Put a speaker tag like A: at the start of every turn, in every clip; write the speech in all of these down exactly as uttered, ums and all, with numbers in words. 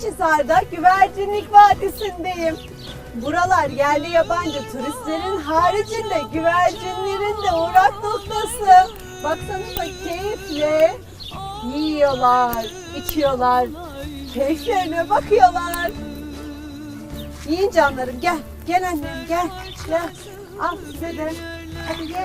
A: Akhisar'da Güvercinlik Vadisi'ndeyim. Buralar yerli yabancı turistlerin haricinde güvercinlerin de uğrak noktası. Baksanıza keyifle yiyorlar, içiyorlar, keyiflerine bakıyorlar. Yiyin canlarım, gel, gel annem, gel, gel. Al size de, hadi gel.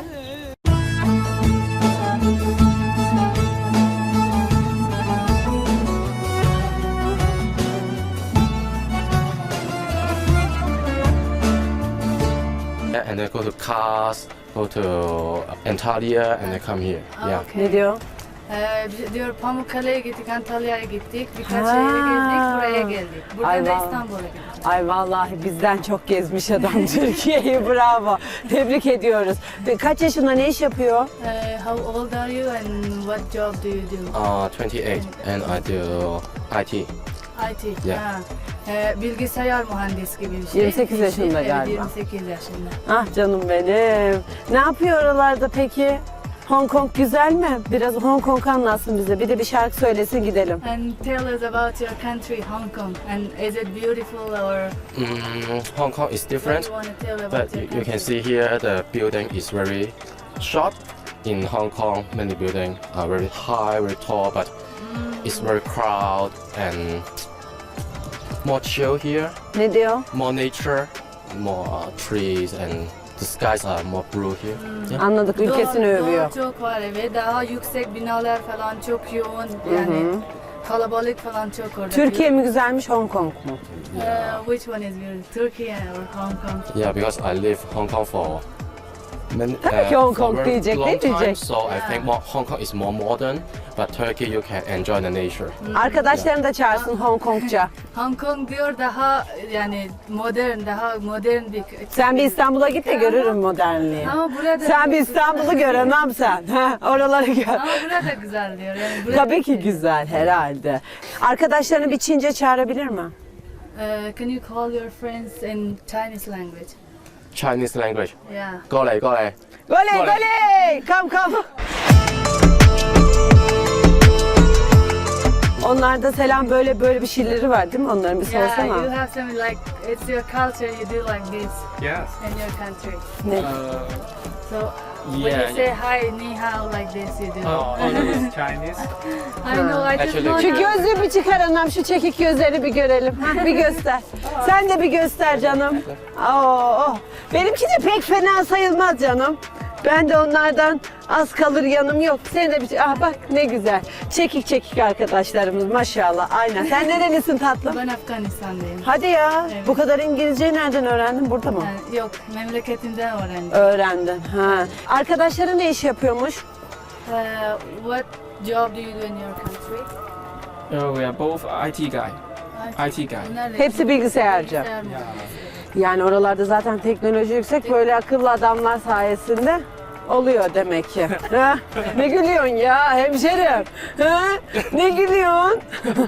B: And then go to Kars, go to Antalya, and then come here. Yeah.
A: Ne diyor?
C: Ee, biz diyor Pamukkale'ye gittik, Antalya'ya gittik, birkaç
A: Ha.
C: şehre gezdik, buraya geldik. Buradan
A: Ay
C: da
A: vallahi.
C: İstanbul'a gittik.
A: Ay vallahi bizden çok gezmiş adam Türkiye'yi, bravo. Tebrik ediyoruz. Ve kaç yaşında, ne iş yapıyor?
C: Ee, how old are you and what job do you do?
B: Uh, twenty-eight, and I do I T.
C: I T.
B: Yeah.
C: Ha. Ee, bilgisayar mühendis gibi bir şey.
A: yirmi sekiz yaşında
C: Evet,
A: galiba.
C: yirmi sekiz yaşında.
A: Ah canım benim. Ne yapıyor oralarda peki? Hong Kong güzel mi? Biraz Hong Kong anlatsın bize. Bir de bir şarkı söylesin gidelim.
C: And tell us about your country, Hong Kong. And is it beautiful or
B: Mm, Hong Kong is
C: what
B: different,
C: you want to tell about
B: but
C: your
B: you, you can
C: country?
B: see here the building is very short. In Hong Kong, many buildings are very high, very tall, but it's very crowded and more chill here.
A: Ne diyor?
B: More nature, more uh, trees, and the skies are more blue here. Yeah.
A: Anladık, ülkesini
C: Doğa-
A: övüyor.
C: doğa çok var ve daha yüksek binalar falan çok yoğun. Yani kalabalık falan çok orada.
A: Türkiye mi güzelmiş, Hong Kong mu?
C: Uh, which one is beautiful? Turkey or Hong Kong?
B: Yeah, because I live Hong Kong for many,
A: Tabii ki Hong
B: for
A: Kong
B: very
A: diyecek,
B: long
A: ne
B: time,
A: diyecek?
B: so I think more, Hong Kong is more modern, but Turkey you can enjoy the nature.
A: Arkadaşlarını da çağırsın Hong Kongca.
C: Hong Kong diyor daha yani modern, daha modern bir.
A: Sen bir İstanbul'a git de görürüm modernliği.
C: Ama burada
A: Sen bir İstanbul'u gör anam sen. Ha, oraları gör.
C: Ama burada güzel diyor. Yani burada
A: Tabii ki güzel herhalde. Arkadaşlarını bir Çince çağırabilir mi?
C: Uh, can you call your friends in Chinese language?
B: Chinese language.
C: Yeah.
B: 過嚟過嚟
A: Goley
B: Goley.
A: goley! Kam kam! Onlarda selam böyle böyle bir şeyleri var değil mi? Onların bir
C: Yeah,
A: sorsana.
C: you have some like it's your culture. You do like this
D: Yes.
C: in your country.
A: Ne?
D: Uh,
C: So when
D: yeah.
C: you say hi, ni hao like this, you do.
D: Oh, oh, no, it's Chinese.
C: I know. I just
B: Actually-
C: know.
A: Şu
C: now.
A: gözlüğü bir çıkar anam, şu çekik gözleri bir görelim. Ha, bir göster. Sen de bir göster canım. Oo, oh. Benimki de pek fena sayılmaz canım. Ben de onlardan az kalır yanım yok. Sen de bir ah bak ne güzel. Çekik çekik arkadaşlarımız maşallah. Aynen. Sen nerelisin tatlım?
C: Ben Afganistan'dayım.
A: Hadi ya.
C: Evet.
A: Bu kadar İngilizceyi nereden öğrendin? Burada mı?
C: Yani yok, memleketimden öğrendim.
A: Öğrendin. Ha. Arkadaşların ne iş yapıyormuş?
C: Uh, what job do you do in your country?
D: Uh, we are both I T guy. I T guy.
C: Nerede?
A: Hepsi bilgisayarcı.
C: Bilgisayar mı?
A: Yani oralarda zaten teknoloji yüksek. Böyle akıllı adamlar sayesinde oluyor demek ki. Ha? Ne gülüyorsun ya hemşerim? Ha? Ne gülüyorsun?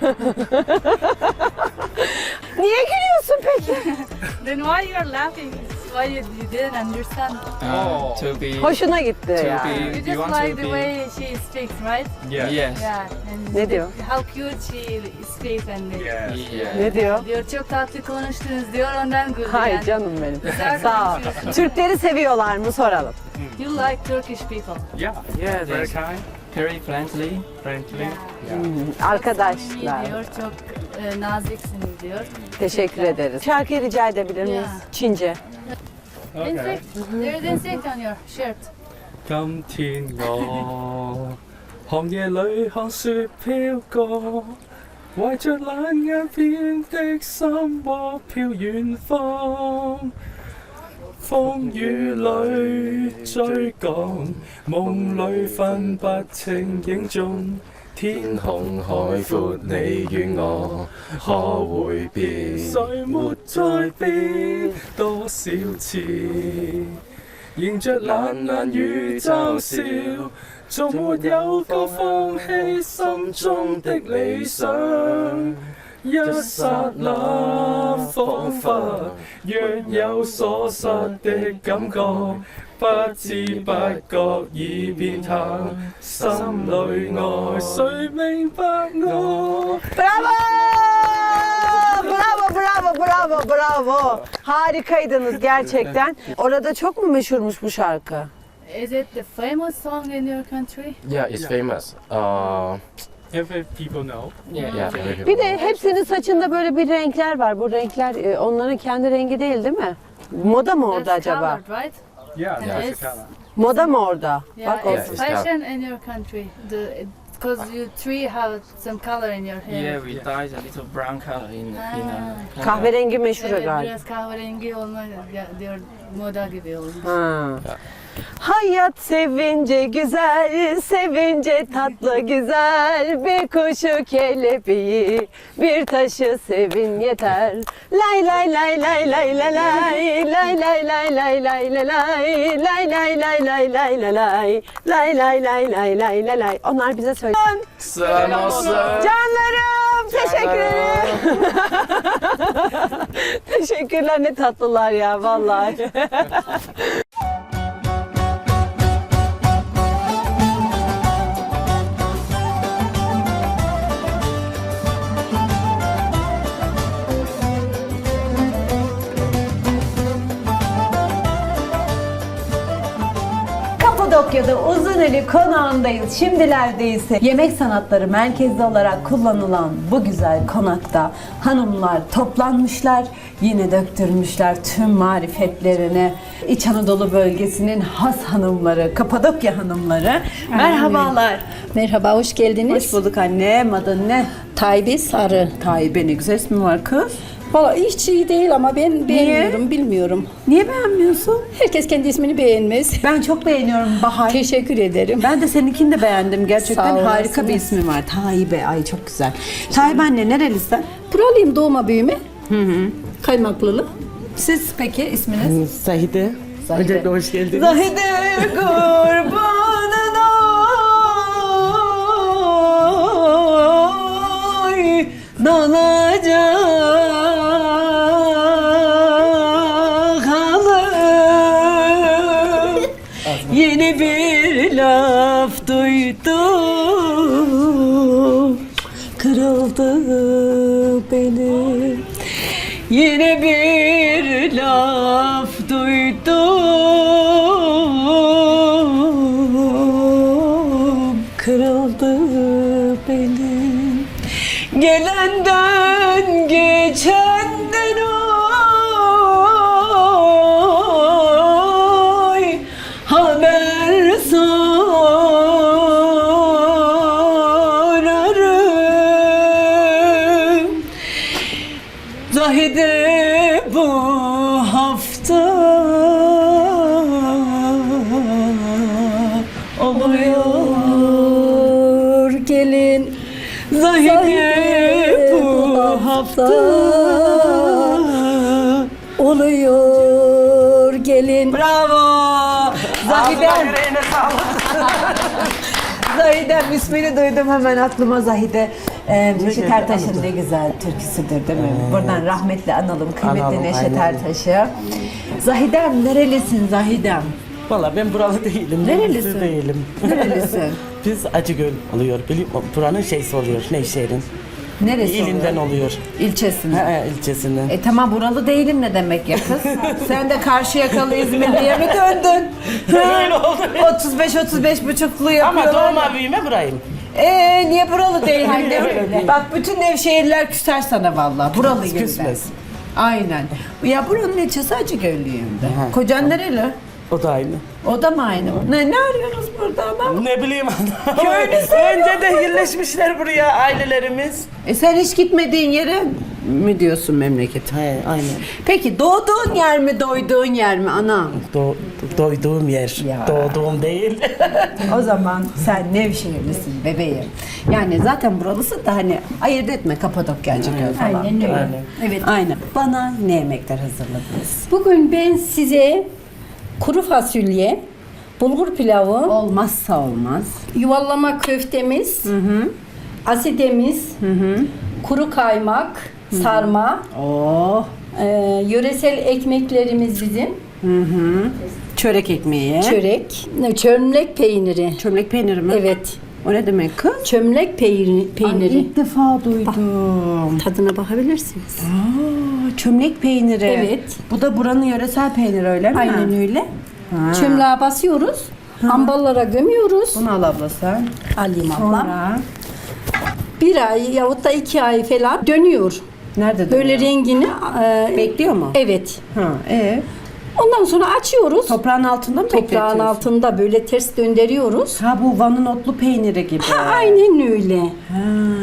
A: Niye gülüyorsun peki?
C: Then why you are laughing? Why you, you didn't understand?
D: Uh, to be.
A: Hoşuna gitti
D: To
A: ya.
D: be-
C: You
D: Do you
C: just
D: want to
C: like the
D: be-
C: way she speaks, right?
D: Yes.
C: Yeah. And
A: Ne diyor?
C: How cute she speaks and
D: Yes.
B: Yeah.
A: Ne diyor?
C: diyor çok tatlı konuştunuz diyor ondan güldü.
A: Hay
C: yani.
A: canım benim.
C: Güzel
A: Sağ ol.
C: konuşuyorsun.
A: Türkleri seviyorlar mı soralım.
C: You like Turkish people.
D: Yeah.
E: Yeah,
D: Very
E: they're
D: kind,
E: very friendly.
D: friendly.
C: Yeah.
D: Yeah.
A: Arkadaşlar.
C: Diyor çok e, naziksiniz diyor.
A: Teşekkür ederiz. Şarkıyı rica edebilir miyiz?
C: Yeah.
A: Çince.
D: Okay.
C: Insect. There is insect on your shirt.
E: 今天我寒夜裏看雪飄過，懷着冷眼變的心窩飄遠方。風雨裏追趕，夢裏分不清影蹤。天空海闊，你與我可會變？誰沒再變？多少次？迎着冷冷雨嘲笑，從沒有過放棄心中的理想。一剎那，彷彿若有所失的感覺，不知不覺已變淡，心裏愛，誰明白我？
A: Bravo! bravo, bravo, bravo. Harikaydınız gerçekten. Orada çok mu meşhurmuş bu şarkı?
C: Is it the famous song in your country?
B: Yeah, it's famous. Uh,
E: Every people know.
D: Yeah.
B: yeah, very people
A: Bir de
B: know.
A: hepsinin saçında böyle bir renkler var. Bu renkler e, onların kendi rengi değil değil mi? Moda mı orada
C: That's
A: acaba?
C: colored, right?
E: Yeah,
B: Yeah.
E: that's the color.
A: Moda mı orada?
C: Yeah,
A: Bak
C: it's
A: olsun.
B: Yeah, it's
C: fashion in your country. The because you three have some color in your hair.
D: Yeah, we dyed a little brown color in in
C: Ah.
D: uh,
A: Kahverengi meşhur
C: Evet,
A: galiba.
C: biraz kahverengi olma ya, diyor moda gibi olmuş.
A: Ha. Hayat sevince güzel, sevince tatlı güzel. Bir kuşu kelebeği, bir taşı sevin yeter. Lay lay lay lay lay lay lay, lay lay lay lay lay lay lay, lay lay lay lay lay lay lay, lay lay lay lay lay lay lay. Onlar bize söyle.
B: Selam olsun.
A: Canlarım, teşekkür ederim. Teşekkürler, ne tatlılar ya vallahi. Kapadokya'da Uzuneli konağındayız. Şimdilerde ise yemek sanatları merkezi olarak kullanılan bu güzel konakta hanımlar toplanmışlar. Yine döktürmüşler tüm marifetlerini. İç Anadolu bölgesinin has hanımları, Kapadokya hanımları. Merhabalar.
F: Merhaba, hoş geldiniz.
A: Hoş bulduk anne. Adın ne?
F: Tayyip Sarı.
A: Tayyip, ne güzel ismi var kız.
F: Valla hiç iyi değil ama ben beğenmiyorum, bilmiyorum.
A: Niye beğenmiyorsun?
F: Herkes kendi ismini beğenmez.
A: Ben çok beğeniyorum Bahar.
F: Teşekkür ederim.
A: Ben de seninkini de beğendim. Gerçekten
F: Sağ olasınız.
A: harika bir ismi var. Tayyip'e. Ay çok güzel. Tayyip anne nerelisin?
F: Buralıyım, doğma büyüme. Hı hı. Kaymaklılık.
A: Siz peki isminiz?
G: Zahide. Öncelikle hoş geldiniz.
A: Zahide kurbanın oy dolacak halım. Yeni bir laf duydum, kırıldı benim. Yine bir laf duydum, kırıldı benim. Gelenden geçenden oy haber sorarım. Zahide bu hafta oluyor.
F: Gelin.
A: Zahide bu hafta
F: oluyor gelin.
A: bravo. Zahide. Zahidem ismini duydum hemen aklıma Zahide. Ee, Neşet Ertaş'ın ne güzel türküsüdür değil mi? Buradan rahmetle analım kıymetli
G: Analım,
A: Neşet
G: aynen.
A: Ertaş'ı. Zahidem nerelisin Zahidem?
G: Valla ben buralı değilim.
A: Nerelisin?
G: Nerelisin? Değilim.
A: Nerelisin?
G: Biz Acıgöl oluyor. Biliyor, buranın şeysi oluyor. Nevşehir'in.
A: Neresi
G: İlinden
A: oluyor?
G: oluyor.
A: İlçesinden.
G: He, he, ilçesinden.
A: E tamam buralı değilim ne demek ya kız? Sen de Karşıyakalı İzmirli'ye mi döndün?
G: Öyle oldu.
A: otuz beş otuz beş buçuklu
G: Ama
A: yapıyorlar.
G: doğma büyüme burayım.
A: Eee niye buralı değilim?
G: Aynen öyle.
A: Bak bütün Nevşehirliler küser sana vallahi. Buralı gibi.
G: Küsmez.
A: Aynen. Ya buranın ilçesi Acıgöllüyüm de.
G: Aha.
A: Kocan nereli?
G: O da aynı.
A: O da mı aynı? Ne, ne arıyorsunuz burada ama?
G: Ne bileyim adam.
A: Köylüsü.
G: Önce de yerleşmişler buraya ailelerimiz.
A: E sen hiç gitmediğin yere mi diyorsun memleket?
G: He, aynen.
A: Peki doğduğun yer mi, doyduğun yer mi anam?
G: Do, doyduğum yer.
A: Ya.
G: Doğduğum değil.
A: O zaman sen Nevşehirlisin bebeğim. Yani zaten buralısın da hani ayırt etme Kapadokya Acıgöl falan.
F: Aynen öyle.
G: Aynen.
F: Evet.
A: Aynen. Bana ne yemekler hazırladınız?
F: Bugün ben size kuru fasulye, bulgur pilavı,
A: Olmazsa olmaz.
F: yuvarlama köftemiz, asidemiz, kuru kaymak, sarma,
A: Oh.
F: e, yöresel ekmeklerimiz bizim,
A: Çörek ekmeği.
F: çörek, ne, çömlek peyniri.
A: Çömlek peyniri mi?
F: Evet.
A: O ne demek kız?
F: Çömlek peyniri. peyniri.
A: Ay, ilk defa duydum.
F: Tadına bakabilirsiniz.
A: Aa, çömlek peyniri.
F: Evet.
A: Bu da buranın yöresel peyniri öyle mi?
F: Aynen öyle.
A: Ha.
F: Çömleğe basıyoruz. Amballara gömüyoruz.
A: Bunu al abla sen.
F: Alayım ablam.
A: Sonra
F: Bir ay yahut da iki ay falan dönüyor.
A: nerede
F: Böyle
A: duruyor?
F: rengini e,
A: Bekliyor mu?
F: evet.
A: Ha, e
F: Ondan sonra açıyoruz.
A: toprağın altında mı
F: Toprağın
A: bekletiyorsun?
F: altında böyle ters döndürüyoruz.
A: Ha, bu Van'ın otlu peyniri gibi.
F: Ha, aynen öyle.
A: Ha.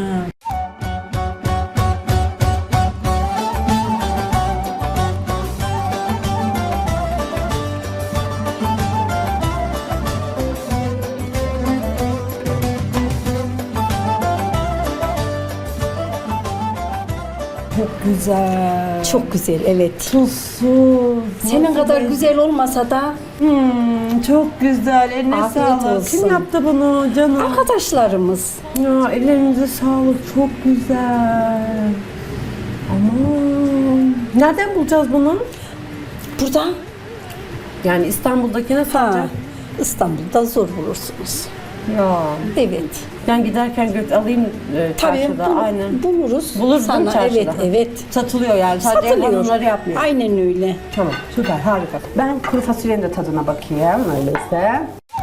A: Çok güzel.
F: Çok güzel, evet.
A: Tuzsuz.
F: Senin kadar güzel olmasa da
A: Hmm, çok güzel. Eline
F: Afiyet
A: sağlık.
F: olsun.
A: Kim yaptı bunu canım?
F: arkadaşlarımız.
A: Ya ellerinize sağlık. Çok güzel. Aman. Nereden bulacağız bunu?
F: Burada
A: Yani İstanbul'dakine
F: ha,
A: sadece.
F: İstanbul'da zor bulursunuz.
A: Ya.
F: Evet.
A: Ben giderken göt alayım e,
F: Tabii
A: çarşıda.
F: bul-
A: Aynen.
F: buluruz.
A: Buluruz değil mi
F: Sana.
A: çarşıda?
F: Evet, evet.
A: Satılıyor yani. Sadece ev
F: Satılıyor.
A: hanımları yapmıyor.
F: Aynen öyle.
A: Tamam. Süper. Harika. Ben kuru fasulyenin de tadına bakayım. Öyleyse.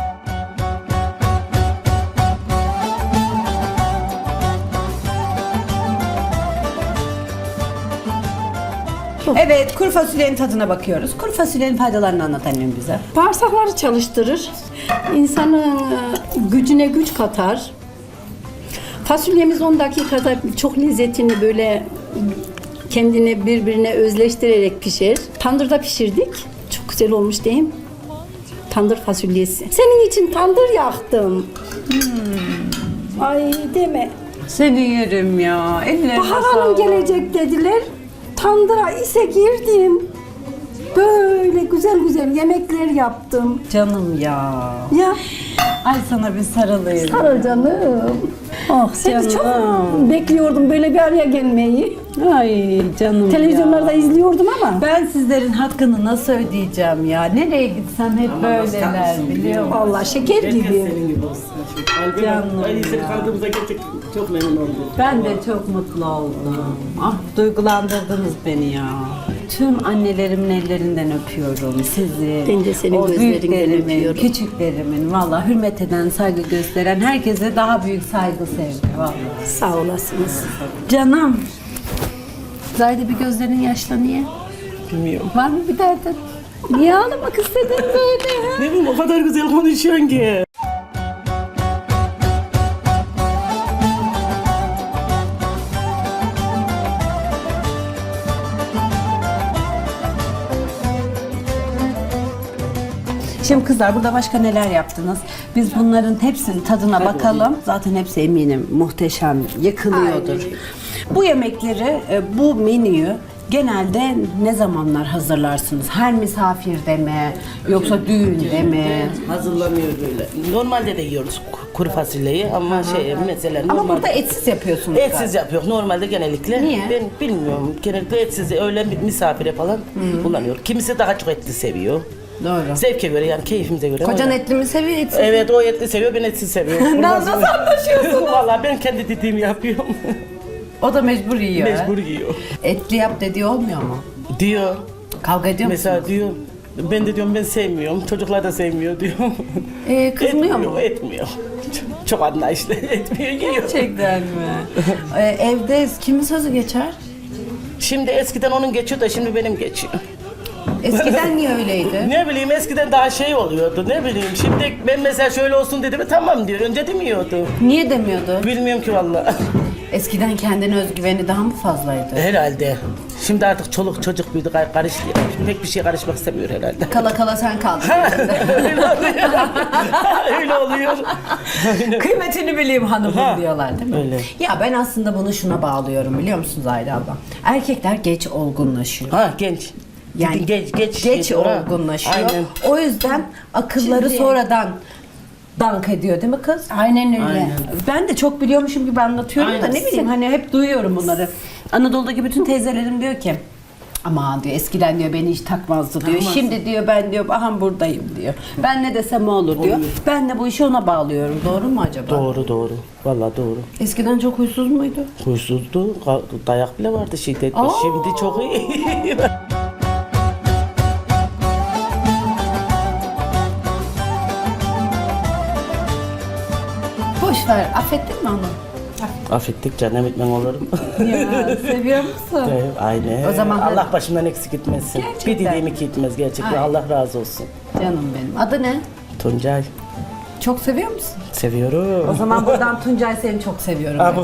A: Evet, kuru fasulyenin tadına bakıyoruz. Kuru fasulyenin faydalarını anlat annem bize.
F: Bağırsakları çalıştırır. İnsanın e, gücüne güç katar. Fasulyemiz on dakikada çok lezzetini böyle kendine birbirine özleştirerek pişer. Tandırda pişirdik. Çok güzel olmuş değil mi? Tandır fasulyesi. Senin için tandır yaktım. Hmm. Ay deme.
A: Seni yerim ya. Ellerine
F: Bahar Hanım gelecek dediler. Tandıra ise girdim. Böyle güzel güzel yemekler yaptım.
A: Canım ya.
F: Ya
A: Ay sana bir sarılayım.
F: sarı canım. Oh seni çok bekliyordum böyle bir araya gelmeyi.
A: Ay canım
F: Televizyonlarda
A: ya.
F: izliyordum ama.
A: Ben sizlerin hakkını nasıl ödeyeceğim ya? Nereye gitsem hep böyleler biliyor musun?
F: Vallahi şeker gibi.
G: Senin gibi olsun. Kalbim,
A: Canım
G: ay seni
A: ya.
G: tanıdığımıza gerçekten çok memnun oldum.
A: Ben de çok mutlu oldum. Ah, duygulandırdınız beni ya. Tüm annelerimin ellerinden öpüyorum sizi.
F: Ben de senin
A: O
F: gözlerinden
A: büyüklerimin,
F: öpüyorum.
A: küçüklerimin, valla hürmet eden, saygı gösteren herkese daha büyük saygı, sevgi valla.
F: Sağ olasınız.
A: Canım.
F: Zahide bir gözlerin yaşlı niye?
G: Bilmiyorum.
F: Var mı bir derdin? Niye ağlamak istedin böyle ya?
G: Ne bileyim o kadar güzel konuşuyorsun ki.
A: Şimdi kızlar burada başka neler yaptınız? Biz bunların hepsinin tadına bakalım. Zaten hepsi eminim muhteşem, yakılıyordur. Bu yemekleri, e, bu menüyü genelde ne zamanlar hazırlarsınız? Her misafirde mi? Yoksa düğünde mi?
G: Hazırlanıyor böyle. Normalde de yiyoruz ku- kuru fasulyeyi ama şey mesela
A: Ama
G: normal
A: burada etsiz yapıyorsunuz.
G: etsiz yapıyor. Normalde genellikle.
A: Niye?
G: Ben bilmiyorum. Genellikle etsiz öyle bir misafire falan kullanıyor. Kimisi daha çok etli seviyor.
A: Doğru.
G: Zevke göre yani keyfimize göre.
A: Kocan
G: öyle.
A: etli mi seviyor, etsiz?
G: Evet o etli seviyor ben etsiz seviyorum.
A: Nasıl anlaşıyorsunuz?
G: Vallahi ben kendi dediğimi yapıyorum.
A: O da mecbur yiyor. ha?
G: Mecbur yiyor.
A: Etli yap dediği olmuyor mu?
G: Diyor.
A: Kavga ediyor musunuz?
G: Mesela diyor ben de diyorum ben sevmiyorum. Çocuklar da sevmiyor diyor.
A: Ee, kızmıyor
G: etmiyor,
A: mu?
G: Etmiyor. Çok, çok anlayışlı. Etmiyor yiyor.
A: Gerçekten mi? ee, evde kimin sözü geçer?
G: Şimdi eskiden onun geçiyor da şimdi benim geçiyor.
A: Eskiden niye öyleydi?
G: Ne bileyim eskiden daha şey oluyordu ne bileyim. Şimdi ben mesela şöyle olsun dedi mi tamam diyor. Önce demiyordu.
A: Niye demiyordu?
G: Bilmiyorum ki vallahi.
A: Eskiden kendine özgüveni daha mı fazlaydı?
G: Herhalde. Şimdi artık çoluk çocuk büyüdü kar- karıştı. Pek bir şeye karışmak istemiyor herhalde.
A: Kala kala sen kaldın.
G: Öyle oluyor. Öyle oluyor.
A: Kıymetini bileyim hanımım
G: Ha,
A: diyorlar değil mi?
G: öyle.
A: Ya ben aslında bunu şuna bağlıyorum biliyor musunuz Ayda abla? Erkekler geç olgunlaşıyor.
G: Ha genç.
A: Yani
G: geç geç
A: geç
G: diyor, ha.
A: olgunlaşıyor.
G: Aynen.
A: O yüzden akılları
F: Şimdi-
A: sonradan dank ediyor değil mi kız?
F: Aynen öyle.
G: Aynen.
A: Ben de çok biliyormuşum gibi anlatıyorum da
G: Aynen.
A: ne bileyim hani hep duyuyorum bunları. Anadolu'daki bütün teyzelerim diyor ki
H: Aman diyor eskiden diyor beni hiç takmazdı diyor. Şimdi diyor ben diyor aha buradayım diyor. Ben ne desem o olur diyor. Ben de bu işi ona bağlıyorum. Doğru mu acaba?
G: Doğru doğru. Vallahi doğru.
H: Eskiden çok huysuz muydu?
G: Huysuzdu. ka- Dayak bile vardı şiddetli. Şimdi çok iyi.
H: Boş ver. Affettin mi onu?
G: Affettik canım etmem olur mu?
H: Ya seviyor musun?
G: Evet, aynen.
H: O zaman
G: Allah başımdan eksik etmesin.
H: Gerçekten.
G: Bir dileğim iki etmez gerçekten.
H: Ay.
G: Allah razı olsun.
H: Canım benim. Adı ne?
G: Tuncay.
H: Çok seviyor musun?
G: Seviyorum.
H: O zaman buradan Tuncay seni çok seviyorum. ben.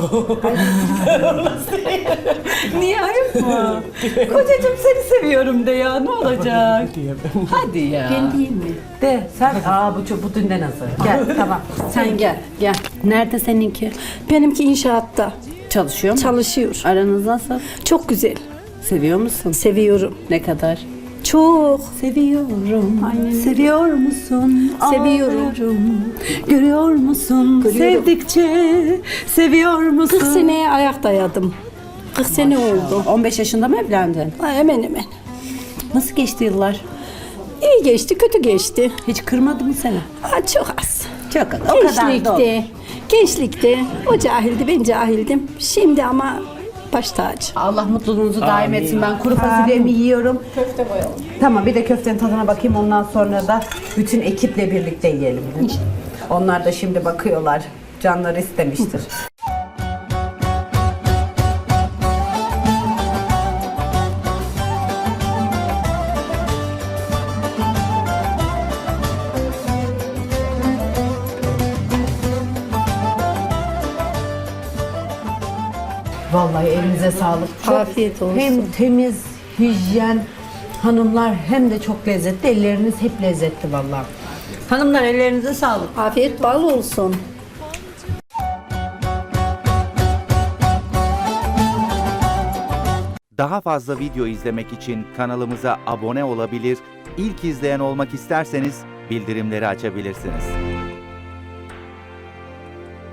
H: Niye ayıp mı? Kocacığım seni seviyorum de ya ne olacak? Hadi ya. Ben diyeyim mi? De sen. Aa bu çok bu dünden hazır. Gel tamam. Sen gel gel. Nerede seninki?
F: Benimki inşaatta
H: Çalışıyor mu?
F: çalışıyor.
H: Aranız nasıl?
F: Çok güzel.
H: Seviyor musun?
F: Seviyorum.
H: Ne kadar?
F: Çok.
H: Seviyorum.
F: Aynen.
H: Seviyor musun?
F: Seviyorum.
H: Ağlarım. Görüyor musun?
F: Görüyorum.
H: Sevdikçe seviyor musun?
F: kırk seneye ayak dayadım. kırk sene oldu.
H: on beş yaşında mı evlendin?
F: Ha, hemen hemen.
H: Nasıl geçti yıllar?
F: İyi geçti, kötü geçti.
H: Hiç kırmadı mı seni?
F: Ha, çok az.
H: Çok az. O kadar da olur.
F: Gençlikte, gençlikte o cahildi, ben cahildim. Şimdi ama baş tacı.
H: Allah mutluluğunuzu daim etsin. Ben kuru fasulyemi yiyorum. Köfte koyalım. Tamam bir de köftenin tadına bakayım. Ondan sonra da bütün ekiple birlikte yiyelim. Onlar da şimdi bakıyorlar. Canları istemiştir. Vallahi elinize sağlık. Çok
F: Afiyet olsun.
H: Hem temiz, hijyen, hanımlar hem de çok lezzetli. Elleriniz hep lezzetli vallahi. Hanımlar ellerinize sağlık.
F: Afiyet bal olsun.
I: Daha fazla video izlemek için kanalımıza abone olabilir, ilk izleyen olmak isterseniz bildirimleri açabilirsiniz.